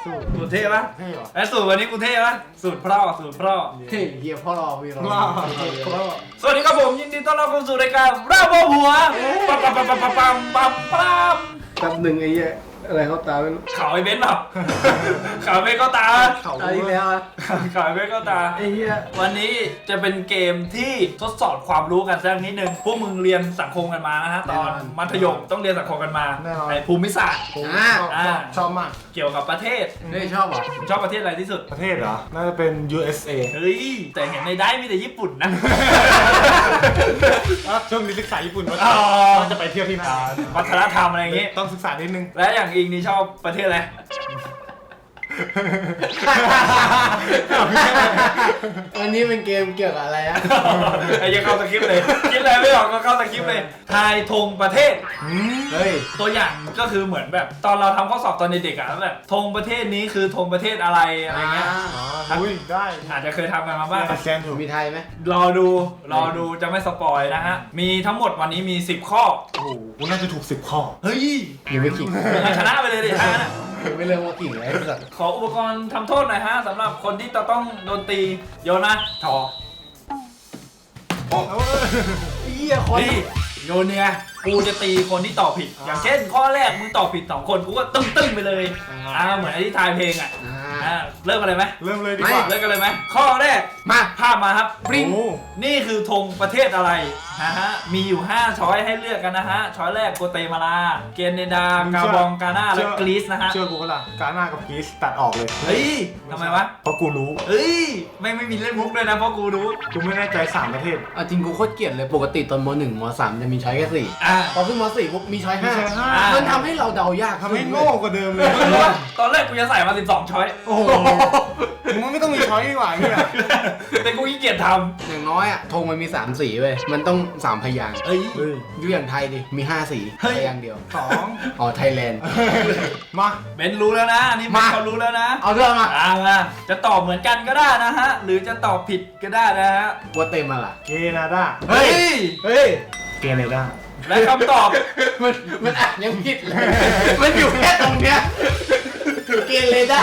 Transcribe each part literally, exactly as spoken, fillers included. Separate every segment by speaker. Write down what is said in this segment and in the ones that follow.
Speaker 1: สูตร
Speaker 2: สูตรเท่ปะ
Speaker 1: เท่หรอ
Speaker 2: ไอ้สูตรวันนี้กูเท่ปะสูตรพ่อสูตรพ่อ
Speaker 3: เฮ้ยเฮียพ่อรอพี่รอ
Speaker 1: ว้าว
Speaker 2: สวัสดีครับผมยินดีต้อนรับเข้าสู่รายการราบหัวปั๊มปั๊มปั๊มปั๊มปั๊มปั๊มปั๊ม
Speaker 3: แป๊บหนึ่งไอ้เหี้ยอะไรเขาตาเป็น
Speaker 2: ข่าวไอ้เบนซ์เปล่าข่าวไอ้เบนซ์ก็ตา
Speaker 1: เขา
Speaker 3: ตาอีกแล้วอ่ะ
Speaker 2: ข่าวไอ้เบนซ์ก็ตา
Speaker 3: ไอ้เหี้ย
Speaker 2: วันนี้จะเป็นเกมที่ทดสอบความรู้กันสักนิดนึงพวกมึงเรียนสังคมกันมานะฮะตอนมัธยมต้องเรียนสังคมกันมาในภูมิศาสตร์
Speaker 1: ผมชอบชอบชอบมาก
Speaker 2: เกี่ยวกับประเทศ
Speaker 3: เฮ้ยชอบเหรอ
Speaker 2: ชอบประเทศอะไรที่สุด
Speaker 1: ประเทศเหรอ น่าจะเป็น ยู เอส เอ
Speaker 2: เฮ้ยแต่เห็นในได้มีแต่ญี่ปุ่นนะ
Speaker 1: อ่ะช่วงนี้ศึกษาญี่ปุ่นมา
Speaker 2: อ๋อ
Speaker 1: ว่าจะไปเที่ยวที่ไหน
Speaker 2: วัฒนธรรมอะไรอย่างงี้
Speaker 1: ต้องศึกษานิดนึง
Speaker 2: และอย่างอิงนี่ชอบประเทศอะไร
Speaker 3: อันนี้เป็นเกมเกี่ยวกับอะไรอ่ะ
Speaker 2: ไอ้ยังเข้าสคริปต์เลยคิดอะไรไม่ออกก็เข้าสคริปต์เลยทายธงประเทศ
Speaker 3: เฮ้ย
Speaker 2: ตัวอย่างก็คือเหมือนแบบตอนเราทำข้อสอบตอนเด็กๆอะแบบธงประเทศนี้คือธงประเทศอะไรอะไรเงี้ย
Speaker 1: อ๋ออุ้ยได้
Speaker 2: อาจจะเคยทำกันมาบ้าง
Speaker 1: แซนถูก
Speaker 3: มีไทยไหม
Speaker 2: รอดูรอดูจะไม่สปอยนะฮะมีทั้งหมดวันนี้มีสิบข้อ
Speaker 1: โอ้โหกูน่าจะถูกสิบข้อ
Speaker 2: เฮ้ย
Speaker 3: ยังไม่ขิง
Speaker 2: มึงชนะไปเลยดิท่านะ
Speaker 3: ยังไม่เริ่มว่าขิงเลยไอ้สัตว์
Speaker 2: ขออุปกรณ์ทำโทษหน่อยฮะสำหรับคนที่จะต้องโดนตีโยนนะถอ
Speaker 3: เหี้ยคน
Speaker 2: นี่โยนเนี่ยกูจะตีคนที่ตอบผิด อย่างเช่นข้อแรกมึงตอบผิดสองคนกูก็ตึ้งตึ้งๆไปเลยอ่าเหมือนไอ้ที่ทายเพลงอ่ะ
Speaker 3: อ่า
Speaker 2: อ่าเริ่มกันเลยไหม
Speaker 1: เริ่มเลยดีกว่า
Speaker 2: เริ่มกันเลยไหมข้อแรก
Speaker 3: มา
Speaker 2: ภาพมาครับ
Speaker 1: ปริ้ง
Speaker 2: นี่คือธงประเทศอะไรนะฮะมีอยู่ห้าช้อยให้เลือกกันนะฮะช้อยแรกโกเตมาลาเกเนดากาบองกาน่าและกรีซนะฮะ
Speaker 1: เชื่อกูก็ล่ะกาหน้ากับกรีซตัดออกเลย
Speaker 2: เฮ้ยทำไมวะ
Speaker 1: เพราะกูรู้
Speaker 2: เฮ้ยไม่ไม่มีเล่นมุกด้วยนะเพราะกูรู้
Speaker 1: กูไม่แน่ใจสามประเทศ
Speaker 3: เอาจริงกูโคตรเกลียดเลยปกติตอนมหนึ่งมสามจะมีช้อยแค่สี่
Speaker 2: อ่า
Speaker 3: พอขึ้นมสี่ปุ๊บมีช้อยห้า
Speaker 1: มีช้อยห้า
Speaker 3: มันทำให้เราเดายาก
Speaker 1: ทำให้โง่กว่าเดิมเลย
Speaker 2: มึงรู้ปะตอนแรกกูจะใส่มาสิบสองช้อย
Speaker 1: โอ้โหมึงไม่ต้องมีช้อยดีกว่าเนี่ย
Speaker 2: แต่กูขี้เกียจท
Speaker 3: อย่างน้อยอ่ะธงมันมีสามสีเว้ยมันต้องสามพยางค์
Speaker 2: ำเฮ้ย
Speaker 1: เฮ้ย
Speaker 3: ดูอย่างไทยดิมีห้าสี
Speaker 2: เฮ้ย
Speaker 3: พยางค์เดียว
Speaker 1: สอง
Speaker 3: อ๋อไทยแลนด์
Speaker 1: มา
Speaker 2: เบนรู้แล้วนะอันนี่เบน
Speaker 3: มา
Speaker 2: เขารู้แล้วนะ
Speaker 3: เอาเรื่องมา
Speaker 2: อ่ามาจะตอบเหมือนกันก็ได้นะฮะ หรือจะตอบผิดก็ได้นะฮะ
Speaker 3: กัวเตมาล่ะ
Speaker 1: เกนาดา
Speaker 2: เฮ้ย
Speaker 3: เฮ้ย
Speaker 1: เกเนดา
Speaker 2: และคำตอบ
Speaker 3: มันมันอ่ะยังผิดเลย มันอยู่แค่ตรงเนี้ยเกเรด้า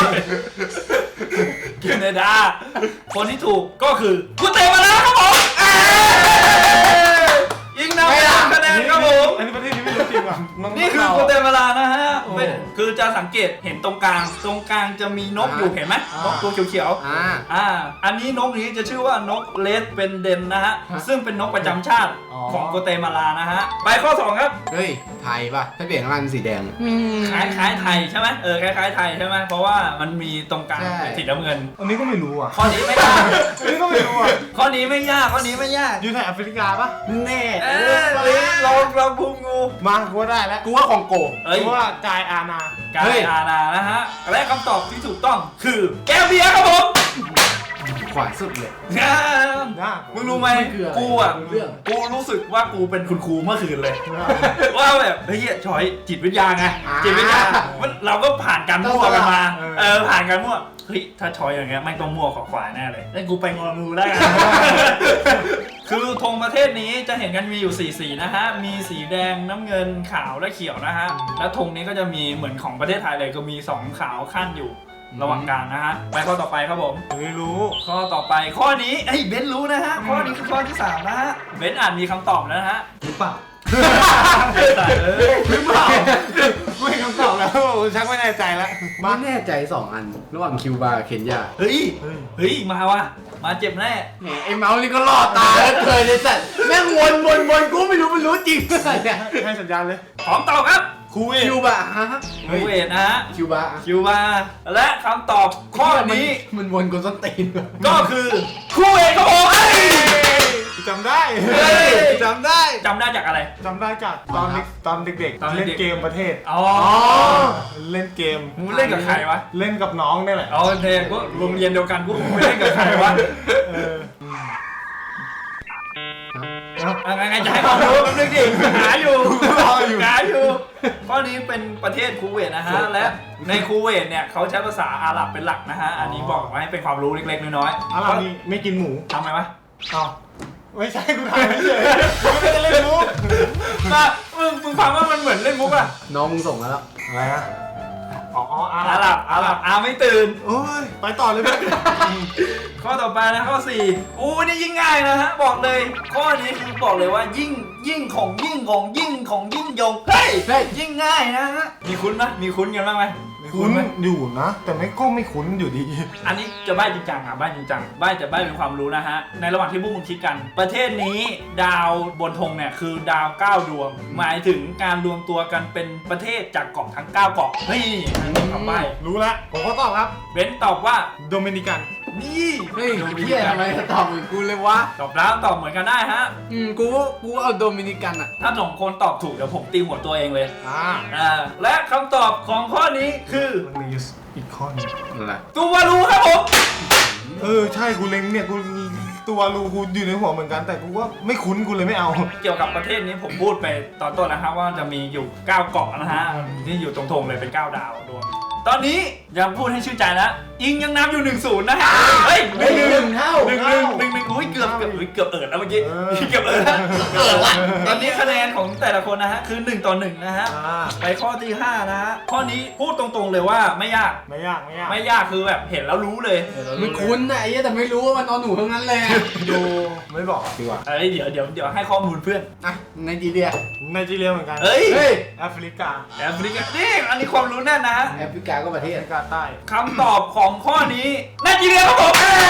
Speaker 2: เกเนดา คนที่ถูกก็คือกูเตะมาแล้วครับผมเอ้ยยิงนำไปสามคะแนนครับผม
Speaker 1: อันนี้ประเทศนี้ไม่รู้จริงว่ะมึง
Speaker 2: นี่คือกูเตะมาลานะฮะเป็นคือจะสังเกตเห็นตรงกลาง ตรงกลางจะมีนกอยู่เห็นไหมนกตัวเขียวๆ
Speaker 3: อ่า
Speaker 2: อ่า อันนี้นกนี้จะชื่อว่านกเลสเป็นเดนนะฮะ
Speaker 3: ฮะ
Speaker 2: ซึ่งเป็นนกประจำชาติของโกเตมาลานะฮะ ไปข้อสองครับ
Speaker 3: เฮ้ย ไทยป่ะ ถ้าเปลี่ยนข้างล่างเป็นสีแดง
Speaker 2: คล้ายคล้ายๆไทยใช่ไหมเออ คล้ายคล้ายๆไทยใช่ไหมเพราะว่ามันมีตรงกลาง
Speaker 3: ใช่
Speaker 2: เป็นสีน้ำเงิน
Speaker 1: อันนี้ก็ไม่รู้อ่ะ
Speaker 2: ข้อนี้ไม่ยาก
Speaker 1: อันนี้ก็ไม่รู้อ่ะ
Speaker 2: ข้อนี้ไม่ยาก ข้อนี้ไม่ยาก
Speaker 1: อยู่ในแอฟริกาปะ
Speaker 3: แน่
Speaker 2: เออลองลองพุงงู
Speaker 1: มากูว่าได้แล้ว
Speaker 3: กูว่าของโก
Speaker 2: เอ้ย
Speaker 1: กูว่ากายอาณา
Speaker 2: กา
Speaker 3: เฮ้
Speaker 2: ร
Speaker 3: ย
Speaker 2: อาณานะฮะ และคำตอบที่ถูกต้องคือแก้วเบียร์ครับผม
Speaker 3: ขวาสุดเลย
Speaker 1: นะ
Speaker 2: มึงรู้ไหม
Speaker 3: มันคืออะไร
Speaker 2: กูอ่ะ
Speaker 3: เรื่อง
Speaker 2: กูรู้สึกว่ากูเป็นคุณครูเมื่อคืนเลย ว่าแบบเฮ้ยชอยจิตวิทยาไง
Speaker 3: อ่า
Speaker 2: จิตวิทยามันเราก็ผ่านการมั่วกันมา
Speaker 1: เออ
Speaker 2: เออผ่านการมั่วเฮ้ยถ้าชอยอย่างเงี้ยไม่ต้องมั่วขอขวาแน่เลยแล้วกูไปงองูได้กัน คือธงประเทศนี้จะเห็นกันมีอยู่สี่สีนะฮะมีสีแดงน้ำเงินขาวและเขียวนะฮะแล้วธงนี้ก็จะมีเหมือนของประเทศไทยเลยก็มีสองขาวขั้นอยู่ระหว่างกลางนะฮะไปข้อต่อไปครับผม
Speaker 1: ไม่รู้
Speaker 2: ข้อต่อไปข้อนี้ไอ้ยเบนซ์รู้นะฮะข้อนี้คือข้อที่สามนะฮะเบนซ์อ่านมีคำตอบแล้วนะฮะ
Speaker 1: หรือเปล่า
Speaker 2: แต่เออ
Speaker 1: หรือเปล่ากูเห็นคำตอบแล้วชักไม่แน่ใจแล้ว
Speaker 3: ไม่แน่ใจสองอัน ระหว่างคิวบาร์กับเคนยา
Speaker 2: เฮ้ย เฮ้ย มาวะมาเจ็บแน่
Speaker 3: แหมไอ้เมาส์นี่ก็ล่อตาแล้วเคยเลยสัตว์แม่งวนวนวนกูไม่รู้มันรู้จริงอะไรเนี่ย
Speaker 1: ให้สัญญาณเลย
Speaker 2: พร้อมตอบครับ
Speaker 1: คูเวต
Speaker 3: คิวบาร์ฮะ
Speaker 2: คูเวตนะฮะ
Speaker 3: คิวบาร์
Speaker 2: คิวบาร์และคำตอบข้อนี้
Speaker 3: มันวนกูส้นตีน
Speaker 2: ก็คือคูเวตครับผมเฮ้ย
Speaker 1: จำได้
Speaker 2: เฮ้ย
Speaker 1: จำได้
Speaker 2: จำได้จากอะไร
Speaker 1: จำได้จากตอนเด็กตอนเด็ก
Speaker 2: ตอน
Speaker 1: ๆ
Speaker 2: เด็กๆ
Speaker 1: เล่นเกมประเทศ
Speaker 2: อ๋อ
Speaker 1: เล่นเกม
Speaker 2: มึงเล่นกับใครวะ
Speaker 1: เล่นกับน้องนี่แหละ
Speaker 2: เอาเทก็โรงเรียนเดียวกันกูไม่เล่นกับใครวะ
Speaker 1: เออ
Speaker 2: อ่ะไงไงจะให้ความรู้แป๊บนึงดิหาอยู่
Speaker 1: รออยู่
Speaker 2: หาอยู่ข้อนี้เป็นประเทศคูเวตนะฮะและในคูเวตเนี่ยเขาใช้ภาษาอาหรับเป็นหลักนะฮะอันนี้บอกไว้ให้เป็นความรู้เล็กๆน้อยๆ
Speaker 1: อะไรนี่ไม่กินหมู
Speaker 2: ทำไมวะ
Speaker 1: อ้าวไม่ใช่กูถามไม่เฉยกูไม่ได้เล่นมุก
Speaker 2: มามึงมึงฟังว่ามันเหมือนเล่นมุกอะ
Speaker 3: น้องมึงส่งมาแล้ว
Speaker 1: อะไรอะอ๋ออ๋ออา
Speaker 2: อาหรับอาหรับอาไม่ตื่น
Speaker 1: โอ้ยไปต่อเลยเพื่อน
Speaker 2: ข้อต่อไปนะข้อสี่อู้นี่ยิ่งง่ายนะฮะบอกเลย ข้อนี้คือบอกเลยว่ายิ่งยิ่งของยิ่งของยิ่งของยิ่งยงเฮ้ย
Speaker 3: เฮ้ย
Speaker 2: ยิ่งง่ายนะฮะมีคุ้นไหมมีคุ้นกันบ้างไหมมี
Speaker 1: คุ้น
Speaker 2: ไหม
Speaker 1: อยู่นะ แต่ไม่ก็ไม่คุ้นอยู่ดี
Speaker 2: อันนี้จะใบ้จริงจังอ่ะใบ้จริงจังใบ้จะใบ้เป็นความรู้นะฮะในระหว่างที่พวกมึงคิดกัน ประเทศนี้ดาวบนธงเนี่ยคือดาวเก้าดวง หมายถึงการรวมตัวกันเป็นประเทศจากเกาะทั้งเก้าเกาะเฮ้ยอันนี้คำใบ้
Speaker 1: รู้แล้วผมก็ตอบครับ
Speaker 2: เบนซ์ตอบว่า
Speaker 1: โดมินิกัน
Speaker 2: นี่
Speaker 3: เฮ้ยเฮียทำไมตอบเหมือนกูเลยวะ
Speaker 2: ตอบแล้วตอบเหมือนกันได้ฮะ
Speaker 3: อืมกูกูเอาโดมินิกันอ่ะ
Speaker 2: ถ้าสองคนตอบถูกเดี๋ยวผมตีหัวตัวเองเลย
Speaker 1: อ่า
Speaker 2: อ่าและคำตอบของข้อนี้คือ
Speaker 1: มันมีอีกข้อหนึง
Speaker 3: อะไร
Speaker 2: ตูวาลูครับผม
Speaker 1: เออใช่กูเล็งเนี่ยกูตัวรูกูอยู่ในหัวเหมือนกัน แต่กูว่าไม่คุ้นกูเลยไม่เอา
Speaker 2: เกี่ยวกับประเทศนี้ผมพูดไปตอนต้นนะครับว่าจะมีอยู่เก้าเกาะนะฮะที่อยู่ตรงๆเลยเป็นเก้าดาวดวงตอนนี้ยังพูดให้ชื่นใจแล้วอิงยังนำอยู่หนึ่งศูนย์นะฮะเฮ้ย
Speaker 3: เฮ้ยหนึ่งเท่า
Speaker 2: หนึ่งหนึ่งหนึ่งหนึ่งอุ้ยเกือบเกือบอุ้ยเกือบเอิดแล้วเมื่อกี้
Speaker 1: เออ
Speaker 2: เกือบเอิดแล้ว
Speaker 3: เกิดละ
Speaker 2: ตอนนี้คะแนนของแต่ละคนนะฮะคือหนึ่งต่อหนึ่งนะฮะ
Speaker 1: อ่า
Speaker 2: ไปข้อที่ห้านะฮะข้อนี้พูดตรงๆเลยว่าไม่ยาก
Speaker 1: ไม่ยากไม่ยาก
Speaker 2: ไม่ยากคือแบบเห็นแล้วรู้เลย
Speaker 3: มันคุ้นนะไอ้เหี้ยแต่ไม่รู้ว่ามันเอาหนูทั้งนั้นเลยอะ
Speaker 1: ดูไม่บอกดีกว่า
Speaker 2: เอ้ยเดี๋ยวเดี๋ยวเดี๋ยวให้ข้อมูลเพื่อน
Speaker 3: อ่ะไนจีเรีย
Speaker 1: ไนจีเรียเหมือนกัน
Speaker 2: เอ้ย
Speaker 3: เฮ้ย
Speaker 1: แอฟริกา
Speaker 2: แอฟริกานี่อันนี้ความรู้แน่นนะฮะ
Speaker 3: แอฟริกาก็ประเท
Speaker 1: แอ
Speaker 3: ศ
Speaker 1: ฟริกาใต้
Speaker 2: คำตอบของข้อนี้ไนจีเรียครับผม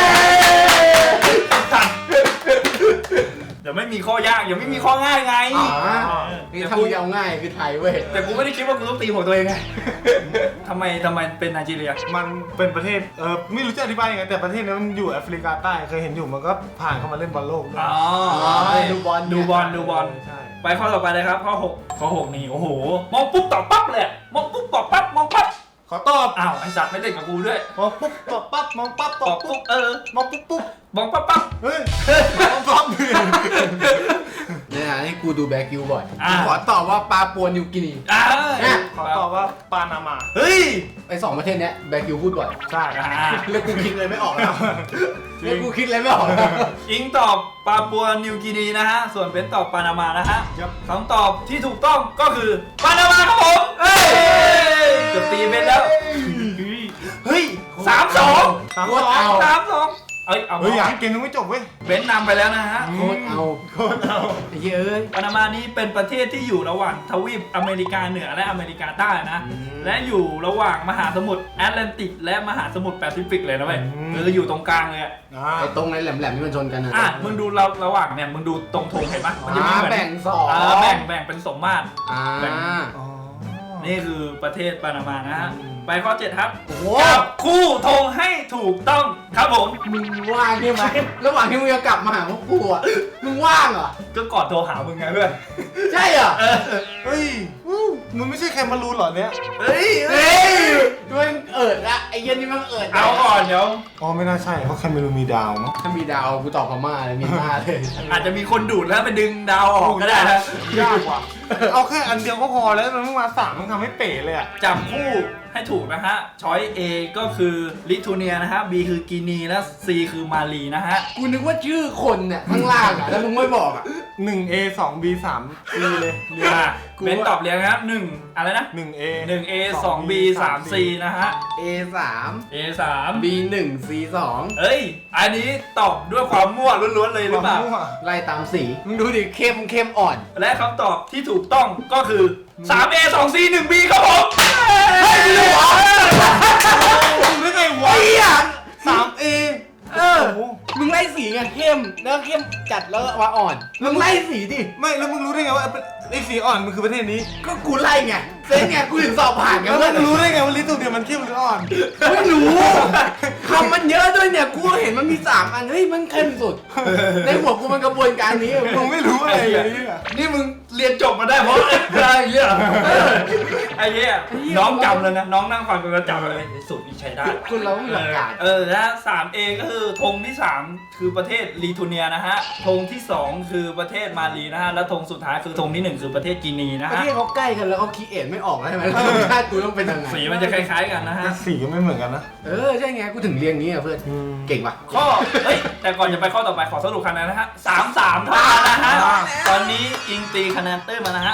Speaker 2: เดี๋ยวไม่มีข้อยากเดี๋ยวไม่มีข้อง่ายไง
Speaker 3: อ๋อนี่ถ้ามึงจะเอาง่ายคือไทยเว้ย
Speaker 2: แต่กูไม่ได้คิดว่ากูต้องตีหัวตัวเองไงทำไมทำไมเป็นไนจีเรีย
Speaker 1: มันเป็นประเทศเออไม่รู้จะอธิบายยังไงแต่ประเทศนี้มันอยู่แอฟริกาใต้เคยเห็นอยู่มันก็ผ่านเข้ามาเล่นบอลโลกด้วย
Speaker 2: อ๋อ
Speaker 3: ดูบอล
Speaker 2: ดูบอลดูบอล
Speaker 1: ใช่
Speaker 2: ไปข้อต่อไปเลยครับข้อหกข้อหกนี่โอ้โหมองปุ๊บตอบปั๊บเลยมองปุ๊บตอบปั๊บมองปั๊บ
Speaker 1: ขอตอบ
Speaker 2: อ้าวไอสัตว์ไม่เล่นกับกูด้วย
Speaker 1: มองปุ๊บตอบปั๊บมองปั๊บต
Speaker 2: ต
Speaker 1: อ
Speaker 2: อ
Speaker 1: บบ ปุ๊
Speaker 2: ปุ๊
Speaker 1: บบ
Speaker 2: เออ
Speaker 1: มองปุ๊บปุ๊บ
Speaker 2: มองปั๊บปั๊บ
Speaker 1: เฮ้ยมองปั๊บเลย
Speaker 3: เนี่ยให้กูดูแบล็กยูบ่อย
Speaker 2: อ่า
Speaker 3: ขอตอบว่าปาปัวนิวกินี
Speaker 2: อ่า
Speaker 1: ขอตอบว่าปานามา
Speaker 2: เฮ้ย
Speaker 3: ไอ้สองประเทศเนี้ยแบล็กยูพูดบ่อย
Speaker 1: ใช่
Speaker 2: อ่า
Speaker 3: แล้วกูคิดเลยไม่ออกแล้วแล้วกูคิดเลยไม่ออกแล้ว
Speaker 2: อิงตอบปาปัวนิวกินีนะฮะ ส่วนเป็นตอบปานามานะฮะ
Speaker 1: ครับ
Speaker 2: คำตอบที่ถูกต้องก็คือปานามาครับผมเฮ้ยเกือบตีเป็นแล้ว เฮ้ยสามสอง
Speaker 1: สาม
Speaker 3: โค
Speaker 1: ส
Speaker 3: ต
Speaker 1: อ
Speaker 3: รง เอา
Speaker 2: สามสองเอ้ยเอา
Speaker 1: เฮ้ยยังเกมยังไม่จบเว้ย
Speaker 2: เบนซ์นำไปแล้วนะฮะ
Speaker 3: โคตรเอา
Speaker 1: โคตรเอา
Speaker 3: ไอ้เหี้ยเอ้ย
Speaker 2: ปานามานี้เป็นประเทศที่อยู่ระหว่างทวีปอเมริกาเหนือและอเมริกาใต้นะ
Speaker 3: อืม
Speaker 2: และอยู่ระหว่างมหาสมุทรแอตแลนติก และมหาสมุทรแปซิฟิกเลยนะเว้ยคืออยู่ตรงกลางเลยอะ
Speaker 1: อ่า
Speaker 3: ไอ้ตรงไอ้แหลมๆที่มันชนกันนะ
Speaker 2: อ่ะมึงดูเราระหว่างเนี่ยมึงดูตรงธงเห็นปะมันจะมี
Speaker 3: อ่า
Speaker 2: เหมือน
Speaker 3: แบ่งสอง
Speaker 2: เออแบ่งแบ่งเป็นสมมาตร
Speaker 3: อ่า
Speaker 2: แบ่ง
Speaker 1: อ๋อ
Speaker 2: นี่คือประเทศปานามานะฮะ
Speaker 1: อืม
Speaker 2: ไปข้อเจ็ดครับ
Speaker 3: โอ้โห
Speaker 2: จับคู่ธงให้ถูกต้องครับผม
Speaker 3: มึงว่างใช่ไหมระหว่างที่มึงจะกลับมาหาพวกกูอ่ะมึงว่างเหรอ
Speaker 2: ก็ก่อนโทรหามึงไงเพื่อน
Speaker 3: ใช่เหรอ
Speaker 2: เออ
Speaker 1: เฮ้ยอู้มันไม่ใช่แคมารูนเหรอเนี่ย
Speaker 2: เฮ้ย
Speaker 3: เฮ้ยมันเอิดละไอ้เหี้ยันนี่มันเอิด
Speaker 2: เอาก่อนเดี๋ยว
Speaker 1: อ๋อไม่น่าใช่เพราะแคมารูนมีดาวมั้ง
Speaker 3: ถ้ามีดาวกูตอบพม่าเลยมีหน้าเลย
Speaker 2: อาจจะมีคนดูดแล้วไปดึงดาวออกก็ได้นะ
Speaker 1: ยากว่ะเอาแค่อันเดียวก็พอแล้วมันเพิ่งมาสามมันทำให้เป๋เลยอ่ะ
Speaker 2: จับคู่ให้ถูกนะฮะ ช้อย A ก็คือลิทัวเนียนะฮะ B คือกินีและ C คือมาลีนะฮะ
Speaker 3: กูนึกว่าชื่อคนเนี่ยข้างล่างอ่ะแล้วมึงไม่บอกอ่ะ
Speaker 1: หนึ่ง A สอง B สาม C เลยเรียง
Speaker 2: อ่ะ
Speaker 3: กู
Speaker 2: เบนตอบเรียงนะครับหนึ่งอะไรนะ
Speaker 1: หนึ่ง A
Speaker 2: หนึ่ง A สอง B สาม C นะฮะ
Speaker 3: A สาม
Speaker 2: A สาม
Speaker 3: B หนึ่ง C สอง
Speaker 2: เอ้ย อันนี้ตอบด้วยความมั่วล้วนๆเลยหรือเปล่า
Speaker 3: ไล่ตามสีมึงดูดิเข้มเข้มอ่อน
Speaker 2: และคำตอบที่ถูกต้องก็คือ สาม A สอง C หนึ่ง B ครับผม
Speaker 3: เฮ้ยไม่รู้เหรอ
Speaker 1: ไม่ไงวะ
Speaker 3: ไอ้เหี้ย
Speaker 1: สาม A
Speaker 3: เออมึงไล่สีไงเข้มแล้วเข้มจัดแล้วว่าอ่อนมึงไล่สีดิ
Speaker 1: ไม่แล้วมึงรู้ได้ไงว่าไอ้สีอ่อนมันคือประเทศนี้
Speaker 3: ก็กูไล่ไงเซ็งไงกูถึงสอบผ่านไง
Speaker 1: แล้ว
Speaker 3: เพื่อน
Speaker 1: มึงรู้ได้ไงว่าลิตรตัวเดียวมันเข้มหรืออ่อน
Speaker 3: ไม่รู้คำมันเยอะด้วยเนี่ยกูเห็นมันมีสามอันเฮ้ยมันเข้มสุดในหัวกูมันกระบวนการนี้
Speaker 1: มึงไม่รู้อะไรเลยเนี่ย
Speaker 2: นี่มึงเรียนจบมาได้เพราะอะไรอย่างเงี้ยเออไอ้เหี้ยน้องจำเลยนะ น้องนั่งฟังกูก็จำเลยสูตรนี้ใช้ได้
Speaker 3: คุณเราไม่หลักการ
Speaker 2: เออและ สาม เอ ก็คือธงที่สามคือประเทศลิทัวเนียนะฮะธงที่สองคือประเทศมาลีนะฮะและธงสุดท้ายคือธงที่หนึ่งคือประเทศกินีนะ
Speaker 3: ประ
Speaker 2: ฮะ
Speaker 3: เทศเขาใกล้กันแล้วเขาคิดเอ็นไม่ออกแล้วใช่ไหมชาติกูต้องเป็นยังไง
Speaker 2: สีมันจะคล้ายๆกันนะฮะ
Speaker 1: สีก็ไม่เหมือนกันนะ
Speaker 3: เออใช่ไงกูถึงเรียงนี้อ่ะเพื่อนเก่งว่ะ
Speaker 2: ข้อเฮ้ยแต่ก่อนจะไปข้อต่อไปขอสรุปคะแนนนะฮะสามสามเท่ากันนะฮะตอนนี้อิงตีคะแนนเต้ยมานะฮะ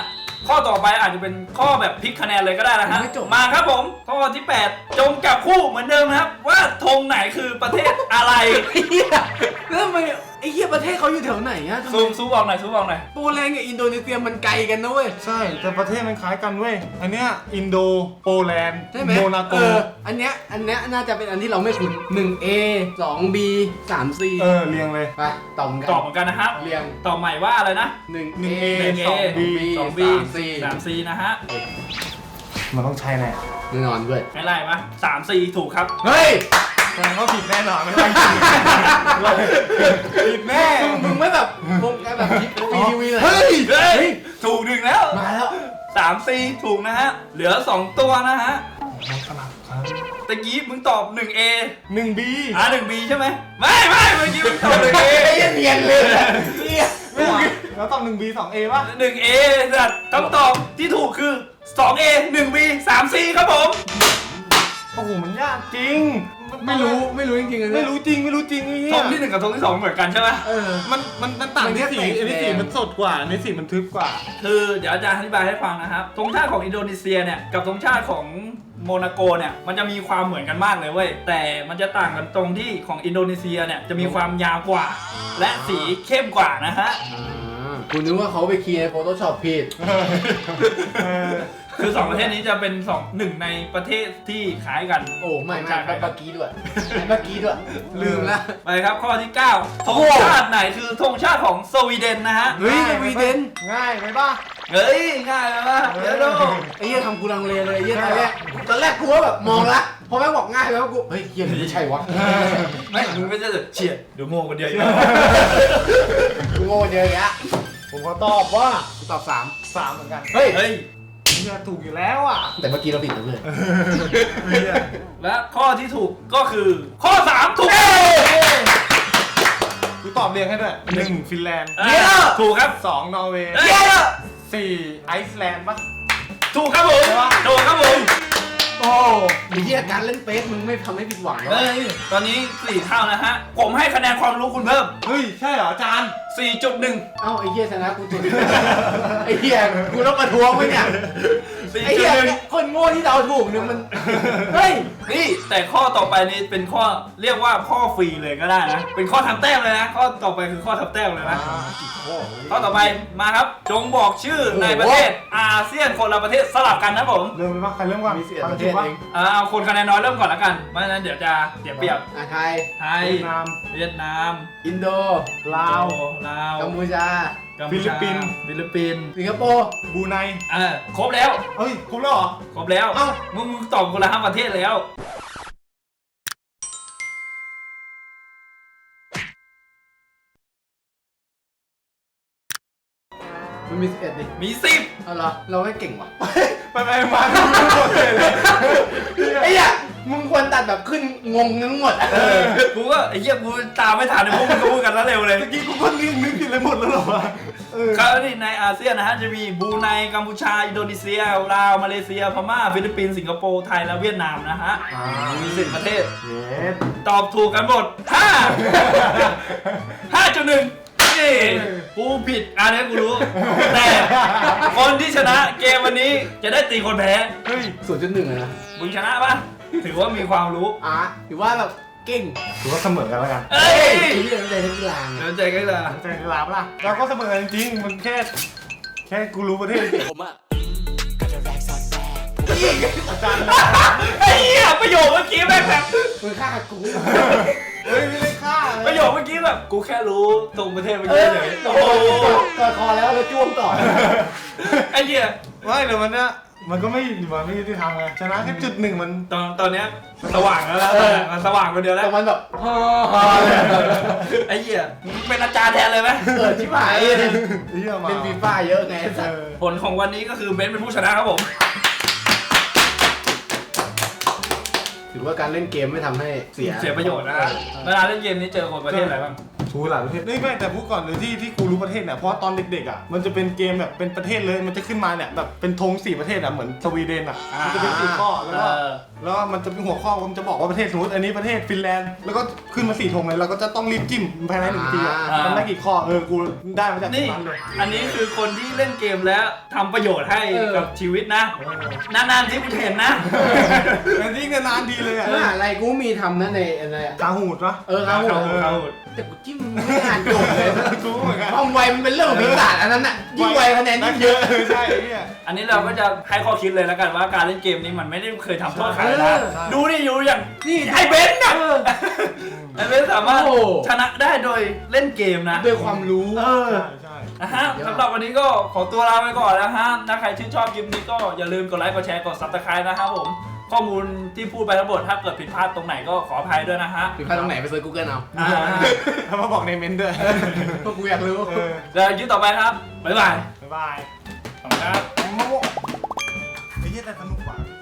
Speaker 2: ข้อต่อไปอาจจะเป็นข้อแบบพลิกคะแนนเลยก็ได้นะฮะ
Speaker 3: ไม่จบ
Speaker 2: มาครับผมข้อที่แปดจงจับคู่เหมือนเดิมนะครับ ว่าธงไหนคือประเทศอะไร
Speaker 3: ไอ้เหี้ยแล้วทำไมไอ้เหี้ยประเทศเขาอยู่แถวไหนอะทำไม
Speaker 2: ซูมซูมออกหน่อยซูมออกหน่อย
Speaker 3: โปแลนด์กับอินโดนีเซียมันไกลกันนะเว้ย
Speaker 1: ใช่แต่ประเทศมันคล้ายกันเว้ยอันเนี้ยอินโดโปแลนด์
Speaker 3: ใช่ไหม
Speaker 1: โมนาโก
Speaker 3: เอออันเนี้ยอันเนี้ยน่าจะเป็นอันที่เราไม่คุ้นหนึ่ง เอ สอง บี สาม ซี
Speaker 1: เออเรียงเลย
Speaker 3: ไปตอบกัน
Speaker 2: ตอบเหมือนกันนะครับ
Speaker 3: เรียง
Speaker 2: ตอบใหม่ว่าอะไรนะ
Speaker 3: หนึ่ง
Speaker 1: หนึ่ง
Speaker 3: เอ
Speaker 1: A
Speaker 2: หนึ่ง
Speaker 1: สอง
Speaker 2: A สอง B
Speaker 3: สาม C
Speaker 2: สาม C นะฮะ
Speaker 1: มันต้องใช่แน่
Speaker 3: แน่นอนด้วย
Speaker 2: ไม่ไล่ปะสาม C ถูกครับ
Speaker 3: เฮ้ย
Speaker 1: แสดงว่าผิดแน่นอนไม่ต้องผิดแน่
Speaker 3: มึงมึงไม่แบบวงการแบบทีวีเลย
Speaker 1: เฮ้ย
Speaker 2: เฮ้ย ถูกหนึ่งแล้ว
Speaker 3: มาแล้ว
Speaker 2: สาม C ถูกนะฮะ เหลือสองตัวนะฮะ
Speaker 1: สลับครับ
Speaker 2: ตะกี้มึงตอบหนึ่ง A
Speaker 1: หนึ่งบี
Speaker 2: อ่ะหนึ่ง B ใช่ไหม ไม่ไม่เมื่อกี้มึงตอบหนึ่ง A
Speaker 3: ไอ้เนียนเลยเนี่ย
Speaker 1: ไม่หรอแล้วต้องหนึ่งบีสองเอป่ะ
Speaker 2: หนึ่ง A สัตว์คำตอบที่ถูกคือสอง A หนึ่ง B สาม C ครับผม
Speaker 1: โอ้โหมันยากจริง
Speaker 3: ไม่รู้ไม่รู้จริงๆเลย
Speaker 1: ไม่รู้จริงไม่รู้จริงไอ้เหี้
Speaker 2: ธ
Speaker 1: ย
Speaker 2: งที่หนึ่งกับธงที่สองเหมือนกันใช่ไหม
Speaker 3: เออ
Speaker 1: มันมันมันต่าง
Speaker 3: มันแค่
Speaker 1: ที่สี
Speaker 3: แตก
Speaker 1: อันนี้สี
Speaker 3: แดง
Speaker 1: มันสดกว่าอันนี้สีมันทึบกว่า
Speaker 2: คือเดี๋ยวอาจารย์อธิบายให้ฟังนะครับธงชาติของอินโดนีเซียเนี่ยกับธงชาติของโมนาโกเนี่ยมันจะมีความเหมือนกันมากเลยเว้ยแต่มันจะต่างกันตรงที่ของอินโดนีเซียเนี่ยจะมีความยาวกว่า และสีเข้มกว่านะฮะ
Speaker 3: คุณนึกว่าเขาไปคีย์ใน Photoshop ผิด
Speaker 1: เออ
Speaker 2: คือสองประเทศนี้จะเป็นสองหนึ่งในประเทศที่คล้ายกัน
Speaker 3: โอ้ไม่ไม่ไม่เมื่อกี้ด้วยไม่เมื่อกี้ด้วย ลืมละ
Speaker 2: ไปครับข้อที่เก้าธงชาติไหนคือธงชาติของสวีเดนนะฮะ
Speaker 3: เฮ้ยสวีเดน
Speaker 1: ง่ายไหมป่ะ
Speaker 2: เฮ้ยง่ายแล้วนะเดี๋ยวดู
Speaker 3: ไอ้เหี้ยทำกูลังเลเลยไอ้เหี้ยตอนแรกตอนแรกกูว่าแบบมองละพอแม่งบอกง่ายแล้วกูเฮ้ยเหี้ยไม่ใช่วะ
Speaker 2: ไม่มึงไม่ใช่จะเฉียดเดี๋ยวโง่คนเดียวอีก
Speaker 3: กูโง่เยอะแยะ
Speaker 1: ผมก็ตอบว่า
Speaker 3: กูตอบสาม
Speaker 1: สามเหมือนกัน
Speaker 3: เฮ้ย
Speaker 2: เฮ้ย
Speaker 1: เนี่ยถูกอยู่แล้วอ่ะ
Speaker 3: แต่เมื่อกี้เราผิดนะเลย
Speaker 1: เหี้ย
Speaker 2: และข้อที่ถูกก็คือข้อสามถูก
Speaker 1: กูตอบเรียงให้ด้วยหนึ่งฟินแลนด์
Speaker 2: เย้ถูกครับ
Speaker 1: สองนอร์เวย์
Speaker 2: เย้
Speaker 1: สี่ไอซ์แลนด์ป่ะ
Speaker 2: ถูกครับผมถูกครับผม
Speaker 1: โอ้
Speaker 3: ไอ้เหี้ยการเล่นเฟซมึงไม่ทำให้ผิดหวังหรอ
Speaker 2: เฮ้ยตอนนี้สี่เท่านะฮะผมให้คะแนนความรู้คุณเพิ่ม
Speaker 1: เฮ้ยใช่เหรออาจารย์
Speaker 2: สี่จุดหนึ่ง
Speaker 3: เอ้าไอ้เหี้ยชนะกูจุดไอ้เหี้ยกูต้องประท้วงไหมเนี่ย
Speaker 2: สี่
Speaker 3: ไอ้
Speaker 2: จุด
Speaker 3: เหี้ย
Speaker 2: หนึ่ง
Speaker 3: คนโง่ที่เดาถูกเนี่ยมันเฮ้ย
Speaker 2: นี่แต่ข้อต่อไปนี้เป็นข้อเรียกว่าข้อฟรีเลยก็ได้นะเป็นข้อทำแต้มเลยนะข้อต่อไปคือข้อทำแต้มเลยนะ ข้อต่อไปมาครับ จงบอกชื่อในประเทศอาเซียนคนละประเทศสลับกันนะผม
Speaker 1: เริ่มเลยป่ะใครเริ่มก่อน
Speaker 3: มีสิบเอ็ด
Speaker 1: ฟัง
Speaker 3: ประเท
Speaker 1: ถู
Speaker 3: ศ
Speaker 1: กป่ะ
Speaker 3: เอง
Speaker 2: เออเอาคนคะแนนน้อยเริ่มก่อนละกันไม่งั้นเดี๋ยวจะเสียเปรียบ
Speaker 3: อ่ะไทย
Speaker 2: ไทย
Speaker 1: เวียดนาม
Speaker 2: เวียดนาม
Speaker 3: อินโด
Speaker 1: ลาว
Speaker 2: ลาว
Speaker 3: กัมพูชา
Speaker 2: กัมพูชา
Speaker 1: ฟิลิปปินส์
Speaker 2: ฟิลิปปินส์
Speaker 3: สิงคโปร์
Speaker 1: บรูไน
Speaker 2: อ่าครบแล้ว
Speaker 1: เฮ้ยครบแล้วเหรอ
Speaker 2: ครบแล้ว
Speaker 1: เอ้า
Speaker 2: มึงมึงตอบคนละห้าประเทศแล้ว
Speaker 3: มันมีสิบเอ็ดดิ
Speaker 2: มีสิบ
Speaker 3: เอาเหรอเราไม่เก่งว่ะ
Speaker 1: ไปไปมาดูหมดเลยเลย
Speaker 3: ไอ้เหี้ยมึงควรตัดแบบขึ้นงงทั้งหมดอะ
Speaker 2: เออกูก็ไอ้เหี้ยกูตามไม่ทันเลยพวกมึงก็พูดกันแล้วเร็วเลย
Speaker 1: เมื่อกี้กูก็นึกนึกผิดเลยหมดแล้วเหรอวะเออ
Speaker 2: ครับนี่ในอาเซียนนะฮะจะมีบรูไนกัมพูชาอินโดนีเซียลาวมาเลเซียพม่าฟิลิปปินส์สิงคโปร์ไทยและเวียดนามนะฮะมีสิบประเทศ
Speaker 1: เย็ด
Speaker 2: ตอบถูกกันหมดห้า ห้าจุดหนึ่งนี่กูผิดอันนี้กูรู้ แต่คนที่ชนะเกมวันนี้จะได้ตีคนแพ้
Speaker 1: เฮ้ย
Speaker 3: ศูนย์จุดหนึ่งเลยนะ
Speaker 2: มึงชนะปะถือว่ามีความรู้
Speaker 3: อ่ะถือว่าแบบเก่ง
Speaker 1: ถือว่าเสมอกันแล้วกัน
Speaker 2: เอ้ย
Speaker 3: ไอ้เหี้ยใจทั้งกีฬาไง
Speaker 2: เดี๋ยวใจกันละ
Speaker 1: ใจกีฬาปะล่ะเราก็เสมอกันจริงๆมันแค่ แค่กูรู้ประเทศ
Speaker 4: ผมอ่ะก็จะแรกสอดแทรก
Speaker 1: อาจารย์
Speaker 2: ไอ้เหี้ยประโยคเมื่อกี้แม่งแบบ
Speaker 3: มึงฆ่ากู
Speaker 1: เฮ้ยไม่ได้ฆ่าเลย
Speaker 2: ประโยคเมื่อกี้แบบกูแค่รู้ตรงประเทศเมื่อ
Speaker 3: เอ
Speaker 2: กี้
Speaker 3: อ
Speaker 2: เฉย
Speaker 3: โอ้
Speaker 2: โอ้
Speaker 3: โห
Speaker 2: โห
Speaker 3: กอดคอแล้วแล้วจ้วงต่อ
Speaker 2: ไอ้เหี้ย
Speaker 1: ไม่เดี๋ยวมันเนี่ยมันก็ไม่มันไม่ยุติธรรมไงชนะแค่จุดหนึ่งมัน
Speaker 2: ตอนตอนเนี้ยสว่างแล้วนะมันสว่างคนเดียวแล้ว
Speaker 3: แต่มันแบบฮ่า
Speaker 2: ไอ้เหี้ยมึงเป็นอาจารย์แทนเลยไหม
Speaker 3: เกิดชิบหาย
Speaker 1: เฮียมา
Speaker 3: เป็นฟีฟ่าเยอะไง
Speaker 1: เอ
Speaker 3: สัตว์
Speaker 1: อ
Speaker 2: ผลของวันนี้ก็คือเบนซ์เป็นผู้ชนะครับผม
Speaker 3: ถือว่าการเล่นเกมไม่ทำให้เสีย
Speaker 2: เสียประโยชน์นะฮะเวลาเล่นเกมนี้เจอคนประเทศอะไรบ้าง
Speaker 1: ชูหลายประเทศนี่ไม่แต่พูดก่อนเลยที่ที่กูรู้ประเทศเนี่ยเพราะตอนเด็กๆอ่ะมันจะเป็นเกมแบบเป็นประเทศเลยมันจะขึ้นมาเนี่ยแบบเป็นธงสี่ประเทศอ่ะเหมือนสวีเดนอ่ะมันจะเป็นสี่ข้อแล้วก็แล้วมันจะเป็นหัวข้อมันจะบอกว่าประเทศสมมติอันนี้ประเทศฟินแลนด์แล้วก็ขึ้นมาสี่ธงเลยเราก็จะต้องรีบจิ้มภายในหนึ่งทีอะ
Speaker 2: อ่า
Speaker 1: มันได้กี่ข้อเออกูได้มาจาก
Speaker 2: นี่
Speaker 1: นั้นเลย
Speaker 2: อันนี้คือคนที่เล่นเกมแล้วทำประโยชน์ให้กับชีวิตนะ นานๆที่กูเห็นนะ
Speaker 1: แต่ยิ่งนานๆดีเลยอ่ะ
Speaker 3: มหาลัยกูมีทำนะในอะไรอะ
Speaker 1: กาหูดเนาะ
Speaker 3: เออเขา
Speaker 2: เขา
Speaker 3: เออ
Speaker 2: เขา
Speaker 3: แต่กูจิ้มไม่อ่านจบเลย
Speaker 1: กูเหมือนกัน
Speaker 3: ความไวมันเป็นเรื่องของพิศาจอันนั้นน่ะยิ่งไวคะแนนยิ่งเยอะ
Speaker 1: ใช่เนี่ย
Speaker 2: อันนี้เราก็จะให้ข้อคิดเลยแล้วกันว่าการเล่นเกมนี้มันไม่ได้เคยทำโทษใครนะ
Speaker 3: ใช่
Speaker 2: ดูนี่อยู่อย่าง
Speaker 3: นี่
Speaker 2: ไอ้เบนซ์น่ะ
Speaker 3: เออ
Speaker 2: ไอ้เบนซ์สามารถ
Speaker 3: โอ้
Speaker 2: ชนะได้โดยเล่นเกมนะ
Speaker 3: ด้วยความรู้
Speaker 2: เออ
Speaker 1: ใช่ใช่
Speaker 2: นะฮะสำหรับวันนี้ก็ขอตัวลาไปก่อนนะฮะถ้าใครชื่นชอบคลิปนี้ก็อย่าลืมกดไลค์กดแชร์กดซับสไครต์นะครับผมข้อมูลที่พูดไปทั้งหมดถ้าเกิดผิดพลาดตรงไหนก็ขออภัยด้วยนะฮะ
Speaker 3: ผิดพลาดตรงไหนไปเซิร์ชกูเกิลเอา
Speaker 2: อ่า
Speaker 1: แล้วมาบอกในเมนต์ด้วย
Speaker 3: เพราะกูอยากรู้
Speaker 1: เออ
Speaker 2: เดี๋ยวคลิปต่อไปครับบ๊ายบาย
Speaker 1: บ๊ายบาย
Speaker 2: ขอบคุณครับ
Speaker 1: มะม่วงไอ้เหี้ยแต่สนุกกว่า